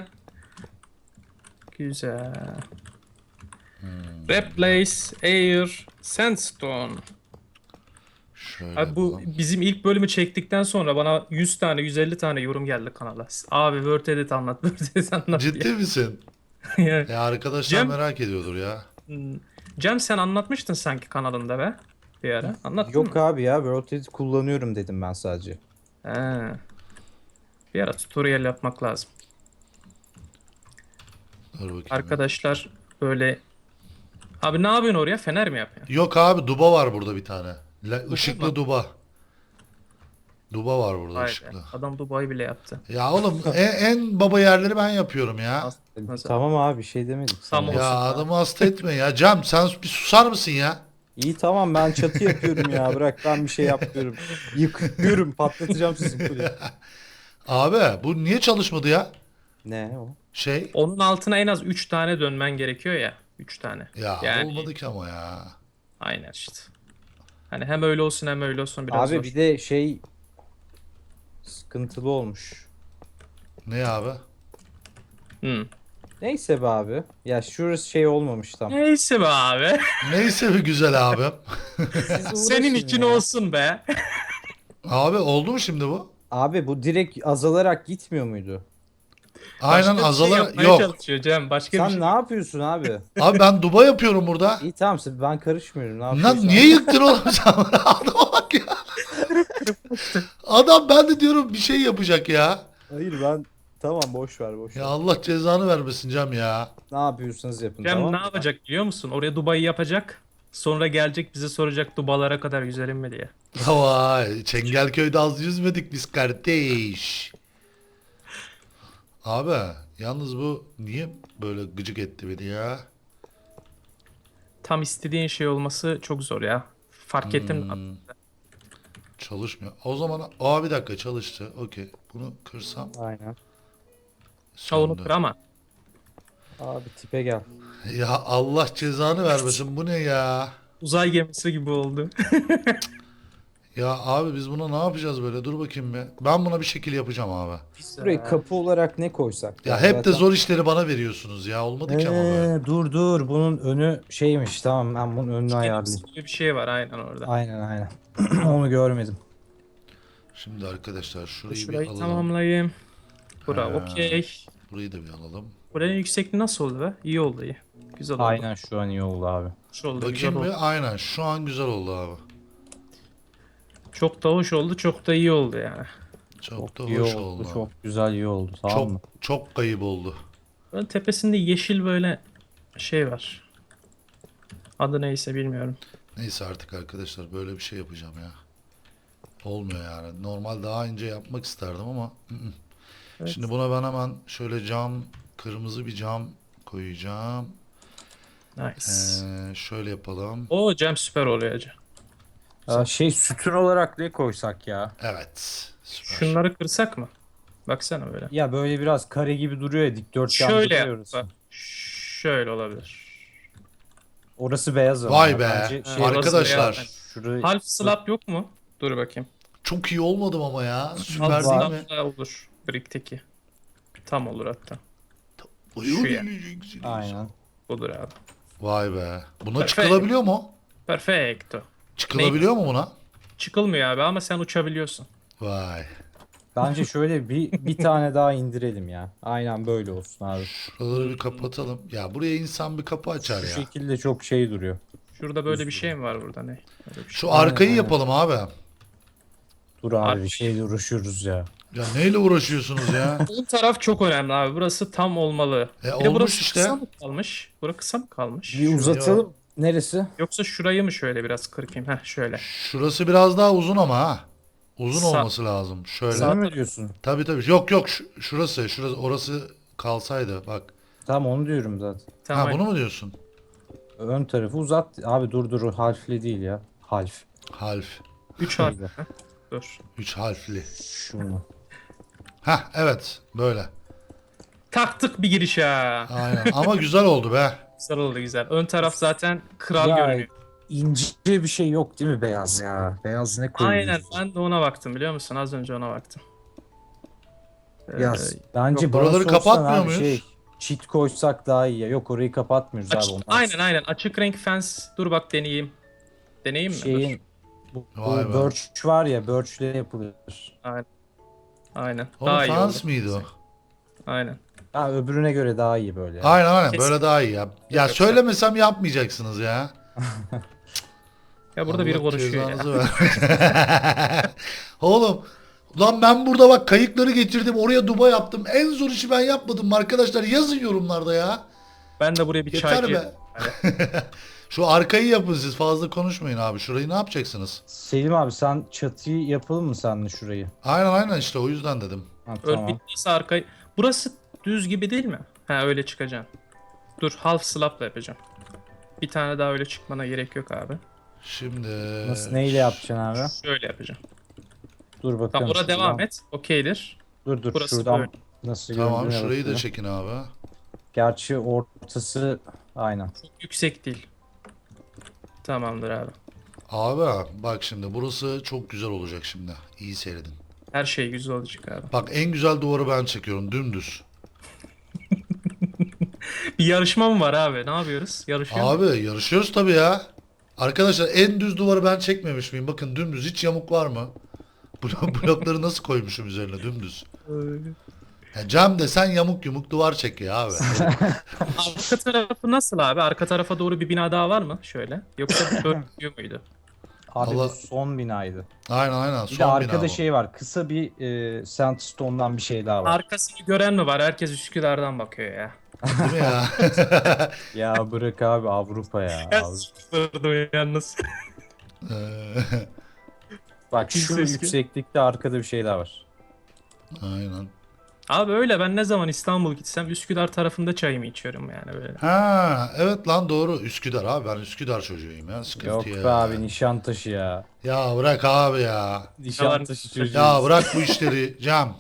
[SPEAKER 3] Güzel.
[SPEAKER 1] Hmm.
[SPEAKER 3] Replace Air Sandstone.
[SPEAKER 1] Şöyle
[SPEAKER 3] Abi bu
[SPEAKER 1] yapalım.
[SPEAKER 3] bizim ilk bölümü çektikten sonra bana yüz tane yüz elli tane yorum geldi kanala. Abi Word Edit anlat, Word Edit anlat
[SPEAKER 1] Ciddi
[SPEAKER 3] diye.
[SPEAKER 1] misin?
[SPEAKER 3] Yani,
[SPEAKER 1] Ya arkadaşlar
[SPEAKER 3] Cem,
[SPEAKER 1] merak ediyordur ya.
[SPEAKER 3] hmm, Cem sen anlatmıştın sanki kanalında be bir ara. Anlattın
[SPEAKER 2] Yok
[SPEAKER 3] mı?
[SPEAKER 2] abi ya World Edit kullanıyorum dedim ben sadece.
[SPEAKER 3] He. Bir ara tutorial yapmak lazım.
[SPEAKER 1] Dur bakayım. ya.
[SPEAKER 3] Arkadaşlar böyle... Abi ne yapıyorsun oraya? Fener mi yapıyorsun?
[SPEAKER 1] Yok abi duba var burada bir tane. La, ışıklı
[SPEAKER 3] mu?
[SPEAKER 1] duba. Duba var burada
[SPEAKER 3] Vay be.
[SPEAKER 1] ışıklı.
[SPEAKER 3] Adam Dubai bile yaptı.
[SPEAKER 1] Ya oğlum en, en baba yerleri ben yapıyorum ya.
[SPEAKER 3] Nasıl?
[SPEAKER 2] Tamam abi bir şey demedik sana.
[SPEAKER 3] Tamam.
[SPEAKER 1] Ya
[SPEAKER 3] olsun ya.
[SPEAKER 1] adamı hasta etme ya. Cem sen bir susar mısın ya?
[SPEAKER 2] İyi tamam ben çatı yapıyorum ya bırak ben bir şey yapmıyorum. Yıkıyorum patlatacağım sizin kuleyi.
[SPEAKER 1] Abi bu niye çalışmadı ya?
[SPEAKER 2] Ne o?
[SPEAKER 1] Şey.
[SPEAKER 3] Onun altına en az üç tane dönmen gerekiyor ya. üç tane.
[SPEAKER 1] Ya
[SPEAKER 3] Yani
[SPEAKER 1] olmadı ki ama ya.
[SPEAKER 3] aynen işte. Hani hem öyle olsun hem öyle olsun biraz
[SPEAKER 2] Abi
[SPEAKER 3] zor.
[SPEAKER 2] bir de şey sıkıntılı olmuş.
[SPEAKER 1] Ne abi?
[SPEAKER 3] Hmm.
[SPEAKER 2] Neyse be abi. Ya şurası şey olmamış tam.
[SPEAKER 3] Neyse be abi.
[SPEAKER 1] Neyse bir güzel abim.
[SPEAKER 2] Siz
[SPEAKER 3] Senin
[SPEAKER 2] uğraşın
[SPEAKER 3] için
[SPEAKER 2] ya.
[SPEAKER 3] olsun be.
[SPEAKER 1] Abi oldu mu şimdi bu?
[SPEAKER 2] Abi bu direkt azalarak gitmiyor muydu?
[SPEAKER 1] Aynen
[SPEAKER 3] Başka bir şey
[SPEAKER 1] azalar
[SPEAKER 3] yapmaya
[SPEAKER 1] yok.
[SPEAKER 3] çalışıyor Cem. Başka
[SPEAKER 2] Sen
[SPEAKER 3] bir şey.
[SPEAKER 2] ne yapıyorsun abi?
[SPEAKER 1] Abi ben duba yapıyorum burada.
[SPEAKER 2] İyi tamam sen- ben karışmıyorum. Ne
[SPEAKER 1] Lan
[SPEAKER 2] yapıyorsun?
[SPEAKER 1] niye yıktın oğlum sen? Adama bak ya. Adam ben de diyorum bir şey yapacak ya.
[SPEAKER 2] Hayır ben tamam boş ver boş
[SPEAKER 1] Ya
[SPEAKER 2] ver.
[SPEAKER 1] Allah cezanı vermesin Cem ya.
[SPEAKER 2] Ne yapıyorsanız yapın
[SPEAKER 3] Cem
[SPEAKER 2] tamam
[SPEAKER 3] ne
[SPEAKER 2] mı?
[SPEAKER 3] yapacak biliyor musun? Oraya Dubai'yi yapacak. Sonra gelecek bize soracak Dubalara kadar yüzelim mi diye.
[SPEAKER 1] Vay Çengelköy'de az yüzmedik biz kardeş. Abi yalnız bu niye böyle gıcık etti beni ya?
[SPEAKER 3] Tam istediğin şey olması çok zor ya. Fark ettin mi?
[SPEAKER 1] Hmm, çalışmıyor. O zaman aa bir dakika çalıştı. Okey. Bunu kırsam
[SPEAKER 2] Aynen.
[SPEAKER 3] Ha, onu
[SPEAKER 1] söndü.
[SPEAKER 3] kır ama.
[SPEAKER 2] Abi tipe gel.
[SPEAKER 1] Ya Allah cezanı vermesin. Bu ne ya?
[SPEAKER 3] Uzay gemisi gibi oldu.
[SPEAKER 1] Ya abi biz buna ne yapacağız böyle? Dur bakayım bir. Ben buna bir şekil yapacağım abi.
[SPEAKER 2] Buraya kapı olarak ne koysak?
[SPEAKER 1] Ya hep de zor işleri bana veriyorsunuz ya. Olmadı ki ama böyle.
[SPEAKER 2] Ee, dur dur bunun önü şeymiş tamam ben bunun önünü ayarlayayım.
[SPEAKER 3] gibi bir şey var aynen orada.
[SPEAKER 2] Aynen aynen. Onu görmedim.
[SPEAKER 1] Şimdi arkadaşlar şurayı bir
[SPEAKER 3] Şurayı
[SPEAKER 1] alalım.
[SPEAKER 3] tamamlayayım. Bura
[SPEAKER 1] Ha.
[SPEAKER 3] okey.
[SPEAKER 1] Burayı da bir alalım.
[SPEAKER 3] Buranın yüksekliği nasıl oldu be? İyi oldu iyi. Güzel oldu.
[SPEAKER 2] Aynen şu an iyi oldu abi.
[SPEAKER 3] Hoş oldu, güzel
[SPEAKER 1] Bakayım
[SPEAKER 3] oldu.
[SPEAKER 1] bir. Aynen. Şu an güzel oldu abi.
[SPEAKER 3] Çok da hoş oldu, çok da iyi oldu yani.
[SPEAKER 1] Çok, da
[SPEAKER 2] İyi
[SPEAKER 1] hoş
[SPEAKER 2] oldu,
[SPEAKER 1] oldu.
[SPEAKER 2] çok güzel iyi oldu tamam
[SPEAKER 1] çok
[SPEAKER 2] mı?
[SPEAKER 1] çok kayıp oldu.
[SPEAKER 3] Buranın tepesinde yeşil böyle şey var. Adı neyse bilmiyorum.
[SPEAKER 1] Neyse artık arkadaşlar böyle bir şey yapacağım ya. Olmuyor yani. Normal daha ince yapmak isterdim ama. ı-ı.
[SPEAKER 3] Evet.
[SPEAKER 1] Şimdi buna ben hemen şöyle cam, kırmızı bir cam koyacağım.
[SPEAKER 3] Nice.
[SPEAKER 1] Ee, şöyle yapalım.
[SPEAKER 3] O Cem süper oluyor Cem.
[SPEAKER 2] Aa, şey sütun olarak ne koysak ya?
[SPEAKER 1] Evet. Süper.
[SPEAKER 3] Şunları kırsak mı? Baksana böyle.
[SPEAKER 2] Ya böyle biraz kare gibi duruyor ya dikdörtgen
[SPEAKER 3] Şöyle
[SPEAKER 2] duruyor
[SPEAKER 3] yap.
[SPEAKER 2] orası.
[SPEAKER 3] Bak. Şöyle olabilir.
[SPEAKER 2] Orası beyaz ama.
[SPEAKER 1] Vay
[SPEAKER 2] ya.
[SPEAKER 1] be.
[SPEAKER 2] Bence şey-
[SPEAKER 1] Arkadaşlar.
[SPEAKER 3] Orası
[SPEAKER 2] Şurayı
[SPEAKER 3] Half slab yok mu? Dur bakayım.
[SPEAKER 1] Çok iyi olmadım ama ya. Süper
[SPEAKER 3] Half
[SPEAKER 1] değil
[SPEAKER 2] var.
[SPEAKER 1] mi?
[SPEAKER 3] slab da olur. Brick'teki. Tam olur hatta.
[SPEAKER 1] Uyuyor
[SPEAKER 3] Şu ya.
[SPEAKER 1] diyeceksiniz.
[SPEAKER 2] Aynen.
[SPEAKER 3] Budur abi.
[SPEAKER 1] Vay be. Buna
[SPEAKER 3] Perfect.
[SPEAKER 1] çıkılabiliyor mu?
[SPEAKER 3] Perfecto.
[SPEAKER 1] Çıkılabiliyor mu buna?
[SPEAKER 3] Çıkılmıyor abi ama sen uçabiliyorsun.
[SPEAKER 1] Vay.
[SPEAKER 2] Bence şöyle bir bir tane daha indirelim ya. Aynen böyle olsun abi.
[SPEAKER 1] Şuraları bir kapatalım. Ya buraya insan bir kapı açar
[SPEAKER 2] Şu
[SPEAKER 1] ya.
[SPEAKER 2] şekilde çok şey duruyor.
[SPEAKER 3] Şurada böyle bir şey mi var burada ne? Öyle bir şey.
[SPEAKER 1] Şu
[SPEAKER 2] Aynen,
[SPEAKER 1] arkayı
[SPEAKER 2] aynen.
[SPEAKER 1] yapalım abi.
[SPEAKER 2] Dur abi
[SPEAKER 3] Abi-
[SPEAKER 2] bir şeyle uğraşıyoruz ya.
[SPEAKER 1] Ya neyle uğraşıyorsunuz ya?
[SPEAKER 3] Bu taraf çok önemli abi. Burası tam olmalı.
[SPEAKER 1] E,
[SPEAKER 3] Bir de
[SPEAKER 1] olmuş
[SPEAKER 3] burası
[SPEAKER 1] işte.
[SPEAKER 3] kısa mı kalmış? Burası kısa mı kalmış?
[SPEAKER 2] Bir uzatalım. Neresi?
[SPEAKER 3] Yoksa şurayı mı şöyle biraz kırpayım? Heh şöyle.
[SPEAKER 1] Şurası biraz daha uzun ama ha. Uzun
[SPEAKER 3] Sa-
[SPEAKER 1] olması lazım. Şöyle.
[SPEAKER 3] Sağ-
[SPEAKER 2] Sen mi diyorsun?
[SPEAKER 1] Tabii tabii. Yok yok şu- şurası. Şurası orası kalsaydı bak.
[SPEAKER 2] Tamam onu diyorum zaten.
[SPEAKER 3] Tamam.
[SPEAKER 1] Ha bunu mu diyorsun?
[SPEAKER 2] Ön tarafı uzat. Abi dur dur o harfli değil ya. Harf.
[SPEAKER 1] Harf.
[SPEAKER 3] Üç harf.
[SPEAKER 2] Şöyle.
[SPEAKER 3] Dur.
[SPEAKER 1] Üç harfli.
[SPEAKER 2] Şunu.
[SPEAKER 1] Ha evet böyle.
[SPEAKER 3] Taktık bir giriş ha.
[SPEAKER 1] Aynen. Ama güzel oldu be.
[SPEAKER 3] Güzel oldu güzel. Ön taraf zaten kral
[SPEAKER 2] Ya,
[SPEAKER 3] görünüyor.
[SPEAKER 2] İnce bir şey yok değil mi beyaz ya? Beyaz ne koyuyoruz?
[SPEAKER 3] Aynen ben de ona baktım biliyor musun? Az önce ona baktım. Ee,
[SPEAKER 2] Ya bence
[SPEAKER 1] yok,
[SPEAKER 2] bana
[SPEAKER 1] buraları
[SPEAKER 2] sorsan
[SPEAKER 1] kapatmıyor
[SPEAKER 2] abi
[SPEAKER 1] muyuz?
[SPEAKER 2] Şey, cheat koysak daha iyi ya. Yok orayı kapatmıyoruz
[SPEAKER 3] aç-
[SPEAKER 2] abi. Ondan
[SPEAKER 3] aynen aynen açık renk fence. Dur bak deneyeyim. Deneyeyim mi?
[SPEAKER 2] Şeyin
[SPEAKER 3] Dur.
[SPEAKER 2] Bu,
[SPEAKER 1] Vay
[SPEAKER 2] bu
[SPEAKER 1] be.
[SPEAKER 2] birch var ya, birchle yapılır.
[SPEAKER 3] Aynen. Aynen.
[SPEAKER 1] Oğlum
[SPEAKER 3] Daha iyi
[SPEAKER 1] fans
[SPEAKER 3] oldu.
[SPEAKER 1] mıydı o?
[SPEAKER 3] Aynen.
[SPEAKER 2] Ha, öbürüne göre daha iyi böyle yani.
[SPEAKER 1] Aynen aynen
[SPEAKER 3] Kesin.
[SPEAKER 1] böyle daha iyi ya. Ya
[SPEAKER 3] Yoksa-
[SPEAKER 1] söylemesem yapmayacaksınız ya.
[SPEAKER 3] Ya burada biri
[SPEAKER 1] Allah
[SPEAKER 3] konuşuyor ya.
[SPEAKER 1] cezanızı ver. Oğlum lan ben burada bak kayıkları getirdim oraya duba yaptım. En zor işi ben yapmadım mı arkadaşlar? Yazın yorumlarda ya.
[SPEAKER 3] Ben de buraya bir
[SPEAKER 1] Yeter
[SPEAKER 3] çay
[SPEAKER 1] be. Şu arkayı yapın siz fazla konuşmayın abi. Şurayı ne yapacaksınız?
[SPEAKER 2] Selim abi, sen çatıyı yapalım mı seninle şurayı?
[SPEAKER 1] Aynen aynen işte o yüzden dedim.
[SPEAKER 2] Ha,
[SPEAKER 3] Ör
[SPEAKER 2] tamam.
[SPEAKER 3] bittiyse arkayı. Burası düz gibi değil mi? Ha öyle çıkacaksın. Dur half slab'la yapacağım. Bir tane daha öyle çıkmana gerek yok abi.
[SPEAKER 1] Şimdi...
[SPEAKER 2] Nasıl, neyle yapacaksın abi?
[SPEAKER 3] Şöyle yapacağım.
[SPEAKER 2] Dur bakalım.
[SPEAKER 3] Tamam orada
[SPEAKER 2] şuradan.
[SPEAKER 3] devam et. Okeydir.
[SPEAKER 2] Dur dur
[SPEAKER 3] Burası
[SPEAKER 2] şuradan
[SPEAKER 3] böyle.
[SPEAKER 2] nasıl
[SPEAKER 1] Tamam
[SPEAKER 2] göründüğüne
[SPEAKER 1] şurayı da
[SPEAKER 2] bakıyorum.
[SPEAKER 1] çekin abi.
[SPEAKER 2] Gerçi ortası aynen.
[SPEAKER 3] Çok yüksek değil. Tamamdır abi.
[SPEAKER 1] Abi bak şimdi burası çok güzel olacak şimdi. İyi seyredin.
[SPEAKER 3] Her şey güzel olacak abi.
[SPEAKER 1] Bak en güzel duvarı ben çekiyorum dümdüz.
[SPEAKER 3] Bir yarışma mı var abi? Ne yapıyoruz? Yarışıyor muyuz?
[SPEAKER 1] Abi yarışıyoruz tabii ya. Arkadaşlar en düz duvarı ben çekmemiş miyim? Bakın dümdüz hiç yamuk var mı? Blok- Blokları nasıl koymuşum üzerine dümdüz. Ya Cem de sen yamuk yumuk duvar çek ya abi.
[SPEAKER 3] Arka tarafı nasıl abi? Arka tarafa doğru bir bina daha var mı? Şöyle. Yoksa böyle gidiyor muydu?
[SPEAKER 2] Abi
[SPEAKER 1] Allah-
[SPEAKER 2] bu son binaydı.
[SPEAKER 1] aynen aynen
[SPEAKER 2] Bir de
[SPEAKER 1] son bina
[SPEAKER 2] arkada
[SPEAKER 1] bu.
[SPEAKER 2] şey var. Kısa bir e, sandstone'dan bir şey daha var.
[SPEAKER 3] Arkasını gören mi var? Herkes Üsküdar'dan bakıyor ya.
[SPEAKER 1] Değil mi ya?
[SPEAKER 2] Ya bırak abi, Avrupa ya. Avrupa.
[SPEAKER 3] Sıfırdı yalnız.
[SPEAKER 1] Ee,
[SPEAKER 2] Bak şu
[SPEAKER 3] Kimse eski.
[SPEAKER 2] yükseklikte arkada bir şey daha var.
[SPEAKER 1] aynen.
[SPEAKER 3] Abi öyle ben ne zaman İstanbul gitsem Üsküdar tarafında çayımı içiyorum yani böyle.
[SPEAKER 1] Ha evet lan doğru Üsküdar abi ben Üsküdar çocuğuyum ya sıkıntı
[SPEAKER 2] Yok
[SPEAKER 1] ya.
[SPEAKER 2] be abi, Nişantaşı ya.
[SPEAKER 1] Ya bırak abi ya.
[SPEAKER 2] Nişantaşı çocuğu.
[SPEAKER 1] Ya bırak bu işleri Cem.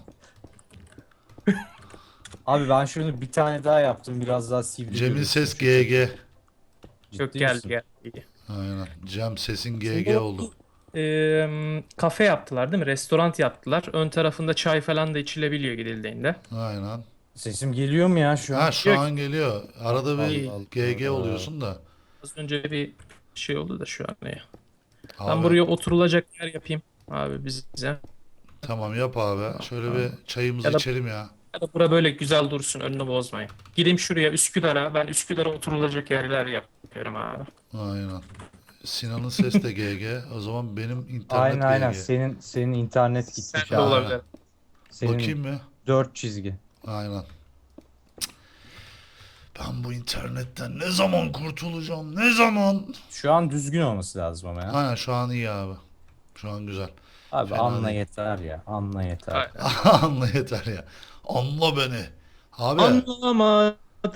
[SPEAKER 2] Abi ben şunu bir tane daha yaptım, biraz daha sivri.
[SPEAKER 1] Cem'in
[SPEAKER 2] görünsün
[SPEAKER 1] ses
[SPEAKER 2] şu
[SPEAKER 1] G G.
[SPEAKER 2] Ciddi
[SPEAKER 3] Çok gel
[SPEAKER 2] misin?
[SPEAKER 3] gel.
[SPEAKER 1] Aynen. Cem sesin G
[SPEAKER 3] Şimdi
[SPEAKER 1] G
[SPEAKER 3] o-
[SPEAKER 1] oldu.
[SPEAKER 3] Eee, kafe yaptılar değil mi? Restoran yaptılar. Ön tarafında çay falan da içilebiliyor gidildiğinde.
[SPEAKER 1] Aynen.
[SPEAKER 2] Sesim geliyor mu ya şu an?
[SPEAKER 1] Ha şu
[SPEAKER 3] Yok.
[SPEAKER 1] an geliyor. Arada bir
[SPEAKER 2] Allah
[SPEAKER 1] G G
[SPEAKER 2] Allah.
[SPEAKER 1] oluyorsun da.
[SPEAKER 3] Az önce bir şey oldu da şu an ne? Ben
[SPEAKER 1] Abi,
[SPEAKER 3] buraya oturulacak yer yapayım abi bize.
[SPEAKER 1] tamam yap abi. Şöyle bir çayımızı
[SPEAKER 3] Ya da-
[SPEAKER 1] içelim ya.
[SPEAKER 3] Ya da bura böyle güzel dursun önünü bozmayın. Gideyim şuraya Üsküdar'a. Ben Üsküdar'a oturulacak yerler yapıyorum abi.
[SPEAKER 1] Aynen. Sinan'ın ses de G G. O zaman benim internet
[SPEAKER 2] Aynen aynen.
[SPEAKER 1] G G.
[SPEAKER 2] Senin senin internet
[SPEAKER 3] Sen
[SPEAKER 2] gitmiş
[SPEAKER 3] de
[SPEAKER 2] abi.
[SPEAKER 3] olabilir.
[SPEAKER 2] Senin
[SPEAKER 1] Bakayım mı?
[SPEAKER 2] dört çizgi.
[SPEAKER 1] Aynen. Ben bu internetten ne zaman kurtulacağım? Ne zaman?
[SPEAKER 2] Şu an düzgün olması lazım ama ya.
[SPEAKER 1] Aynen şu an iyi abi. Şu an güzel.
[SPEAKER 2] Abi
[SPEAKER 1] Fena
[SPEAKER 2] anla
[SPEAKER 1] değil.
[SPEAKER 2] yeter ya. Anla yeter.
[SPEAKER 3] Aynen.
[SPEAKER 1] Anla yeter ya. Anla beni. Abi.
[SPEAKER 3] Anlamadım.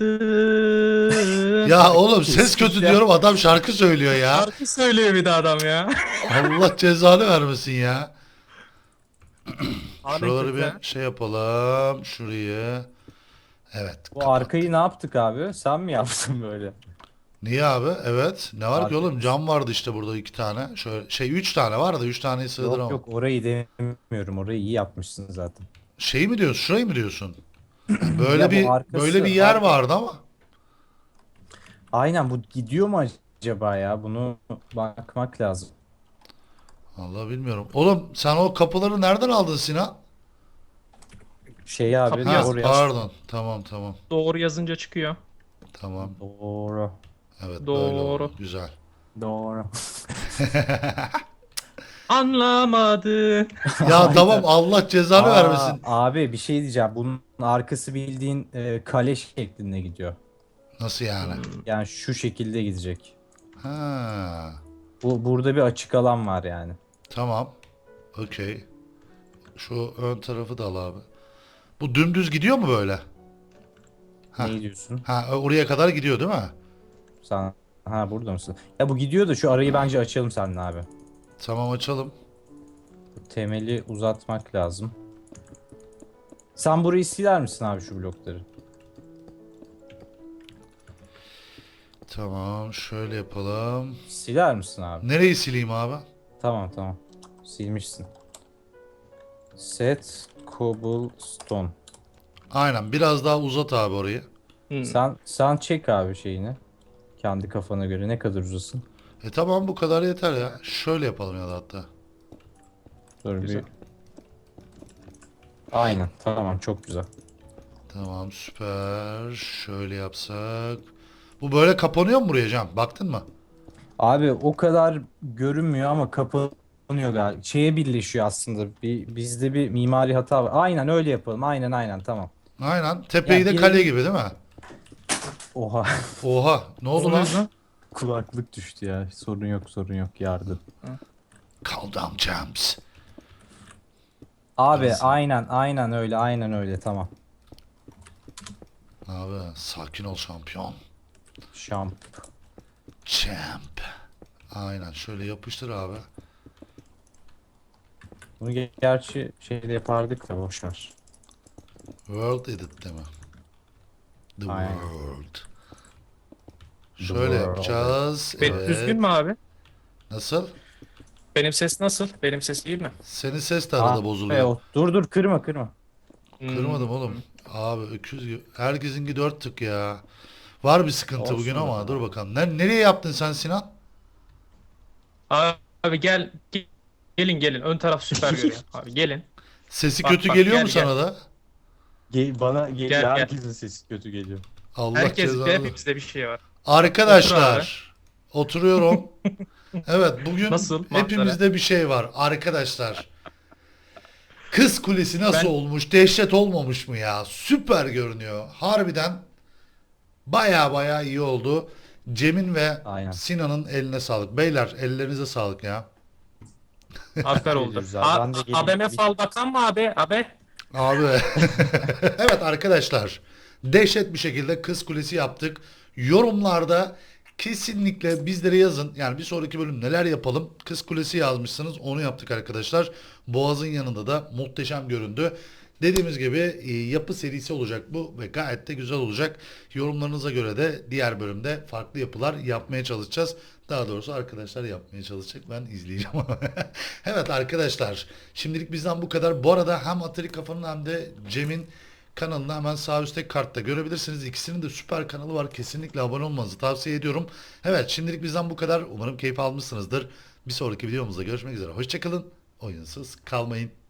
[SPEAKER 1] Ya oğlum ses kötü
[SPEAKER 2] Kesinlikle.
[SPEAKER 1] diyorum adam şarkı söylüyor ya.
[SPEAKER 3] Şarkı söylüyor bir de adam ya.
[SPEAKER 1] Allah cezanı vermesin ya.
[SPEAKER 3] Abi
[SPEAKER 1] Şuraları
[SPEAKER 3] kötü ha.
[SPEAKER 1] bir şey yapalım. Şurayı. Evet.
[SPEAKER 2] Bu
[SPEAKER 1] kapat.
[SPEAKER 2] arkayı ne yaptık abi? Sen mi yaptın böyle?
[SPEAKER 1] Niye abi? Evet. Ne var ki
[SPEAKER 2] Arka-
[SPEAKER 1] oğlum? Cam vardı işte burada iki tane. Şöyle şey üç tane var da üç taneyi sığdıramam.
[SPEAKER 2] Yok yok, orayı demiyorum. Orayı iyi yapmışsın zaten.
[SPEAKER 1] Şey mi diyorsun? Şurayı mı diyorsun? Böyle
[SPEAKER 2] Ya bu
[SPEAKER 1] bir
[SPEAKER 2] arkası-
[SPEAKER 1] böyle bir yer
[SPEAKER 2] arka-
[SPEAKER 1] vardı ama.
[SPEAKER 2] Aynen, bu gidiyor mu acaba ya? Bunu bakmak lazım.
[SPEAKER 1] Vallahi bilmiyorum. Oğlum sen o kapıları nereden aldın Sinan?
[SPEAKER 2] Şey abi
[SPEAKER 3] Kapı
[SPEAKER 1] Ha,
[SPEAKER 3] yaz-
[SPEAKER 2] oraya.
[SPEAKER 1] pardon. Tamam tamam.
[SPEAKER 3] Doğru yazınca çıkıyor.
[SPEAKER 1] Tamam.
[SPEAKER 2] Doğru.
[SPEAKER 1] Evet böyle
[SPEAKER 3] Doğru.
[SPEAKER 1] oldu. Güzel.
[SPEAKER 2] Doğru.
[SPEAKER 3] Anlamadın.
[SPEAKER 1] Ya tamam Allah cezanı
[SPEAKER 2] Aa,
[SPEAKER 1] vermesin.
[SPEAKER 2] abi bir şey diyeceğim. Bunun arkası bildiğin e, kale şeklinde gidiyor.
[SPEAKER 1] Nasıl yani?
[SPEAKER 2] Yani şu şekilde gidecek.
[SPEAKER 1] Ha.
[SPEAKER 2] Bu burada bir açık alan var yani.
[SPEAKER 1] Tamam. Okey. Şu ön tarafı da al abi. Bu dümdüz gidiyor mu böyle? Ha.
[SPEAKER 2] Ne diyorsun?
[SPEAKER 1] Ha oraya kadar gidiyor değil mi?
[SPEAKER 2] Sen ha burada mısın? Ya bu gidiyor da şu arayı bence açalım seninle abi.
[SPEAKER 1] Tamam açalım.
[SPEAKER 2] Temeli uzatmak lazım. Sen burayı siler misin abi, şu blokları?
[SPEAKER 1] Tamam şöyle yapalım.
[SPEAKER 2] Siler misin abi?
[SPEAKER 1] Nereyi sileyim abi?
[SPEAKER 2] Tamam tamam. Silmişsin. Set cobblestone.
[SPEAKER 1] Aynen biraz daha uzat abi orayı.
[SPEAKER 3] Hmm.
[SPEAKER 2] Sen sen çek abi şeyini. Kendi kafana göre ne kadar uzasın.
[SPEAKER 1] E tamam bu kadar yeter ya. Şöyle yapalım ya da hatta.
[SPEAKER 2] Dur
[SPEAKER 3] Güzel.
[SPEAKER 2] bir. Aynen tamam çok güzel.
[SPEAKER 1] Tamam süper. Şöyle yapsak. Bu böyle kapanıyor mu buraya Can? Baktın mı?
[SPEAKER 2] Abi o kadar görünmüyor ama kapanıyor galiba. Şeye birleşiyor aslında. Bir, bizde bir mimari hata var. Aynen öyle yapalım. Aynen aynen tamam.
[SPEAKER 1] Aynen. Tepeyi
[SPEAKER 2] Ya
[SPEAKER 1] de
[SPEAKER 2] bir-
[SPEAKER 1] kale gibi değil mi?
[SPEAKER 2] Oha.
[SPEAKER 1] Oha. Ne oldu lan?
[SPEAKER 3] Oluyor.
[SPEAKER 2] Kulaklık düştü ya. Sorun yok sorun yok yardım.
[SPEAKER 1] Calm down James.
[SPEAKER 2] Abi
[SPEAKER 1] Nasıl?
[SPEAKER 2] aynen aynen öyle aynen öyle tamam.
[SPEAKER 1] Abi sakin ol şampiyon.
[SPEAKER 2] Şamp.
[SPEAKER 1] Champ. Aynen şöyle yapıştır abi.
[SPEAKER 2] Bunu ge- gerçi şeyde yapardık da boşver.
[SPEAKER 1] World Edit'te mi? The
[SPEAKER 2] Aynen.
[SPEAKER 1] World.
[SPEAKER 2] The
[SPEAKER 1] Şöyle
[SPEAKER 2] world.
[SPEAKER 1] yapacağız.
[SPEAKER 3] Benim
[SPEAKER 1] Evet.
[SPEAKER 3] düzgün mü abi?
[SPEAKER 1] Nasıl?
[SPEAKER 3] Benim ses nasıl? Benim ses iyi mi?
[SPEAKER 1] Senin ses de arada
[SPEAKER 2] Ah,
[SPEAKER 1] bozuluyor.
[SPEAKER 2] be, o- dur dur kırma kırma.
[SPEAKER 1] Kırmadım
[SPEAKER 3] Hmm.
[SPEAKER 1] oğlum. Abi öküz gibi. Herkesinki dört tık ya. Var bir sıkıntı
[SPEAKER 2] Olsun
[SPEAKER 1] bugün
[SPEAKER 2] be.
[SPEAKER 1] ama dur bakalım. Ne, nereye yaptın sen Sinan?
[SPEAKER 3] Abi gel ge- gelin gelin ön taraf süper görüyor. Abi gelin.
[SPEAKER 1] Sesi
[SPEAKER 3] Bak,
[SPEAKER 1] kötü
[SPEAKER 3] bak,
[SPEAKER 1] geliyor
[SPEAKER 3] gel,
[SPEAKER 1] mu
[SPEAKER 3] gel.
[SPEAKER 1] sana da?
[SPEAKER 2] Gel, bana
[SPEAKER 3] Gel, gel.
[SPEAKER 2] herkesin sesi kötü geliyor.
[SPEAKER 1] Allah
[SPEAKER 3] Herkes
[SPEAKER 1] cezanı.
[SPEAKER 3] hepimizde bir şey var.
[SPEAKER 1] Arkadaşlar. Oturuyorum. Evet bugün
[SPEAKER 3] Nasıl manzara?
[SPEAKER 1] hepimizde bir şey var. Arkadaşlar. Kız Kulesi nasıl
[SPEAKER 3] Ben-
[SPEAKER 1] olmuş? Dehşet olmamış mı ya? Süper görünüyor. Harbiden baya baya iyi oldu. Cem'in ve
[SPEAKER 2] Aynen.
[SPEAKER 1] Sinan'ın eline sağlık. Beyler ellerinize sağlık ya.
[SPEAKER 3] Afer oldu.
[SPEAKER 2] Güzel,
[SPEAKER 3] A-
[SPEAKER 2] ben de geleyim.
[SPEAKER 3] A B M fal bakan mı abi? Abi.
[SPEAKER 1] Abi. Evet arkadaşlar. Dehşet bir şekilde Kız Kulesi yaptık. Yorumlarda kesinlikle bizlere yazın. Yani bir sonraki bölüm neler yapalım? Kız Kulesi yazmışsınız. Onu yaptık arkadaşlar. Boğaz'ın yanında da muhteşem göründü. Dediğimiz gibi e, yapı serisi olacak bu ve gayet de güzel olacak. Yorumlarınıza göre de diğer bölümde farklı yapılar yapmaya çalışacağız. Daha doğrusu arkadaşlar yapmaya çalışacak. Ben izleyeceğim ama. Evet arkadaşlar. Şimdilik bizden bu kadar. Bu arada hem Atari Kafa'nın hem de Cem'in kanalını hemen sağ üstteki kartta görebilirsiniz. İkisinin de süper kanalı var. Kesinlikle abone olmanızı tavsiye ediyorum. Evet şimdilik bizden bu kadar. Umarım keyif almışsınızdır. Bir sonraki videomuzda görüşmek üzere. Hoşçakalın. Oyunsuz kalmayın.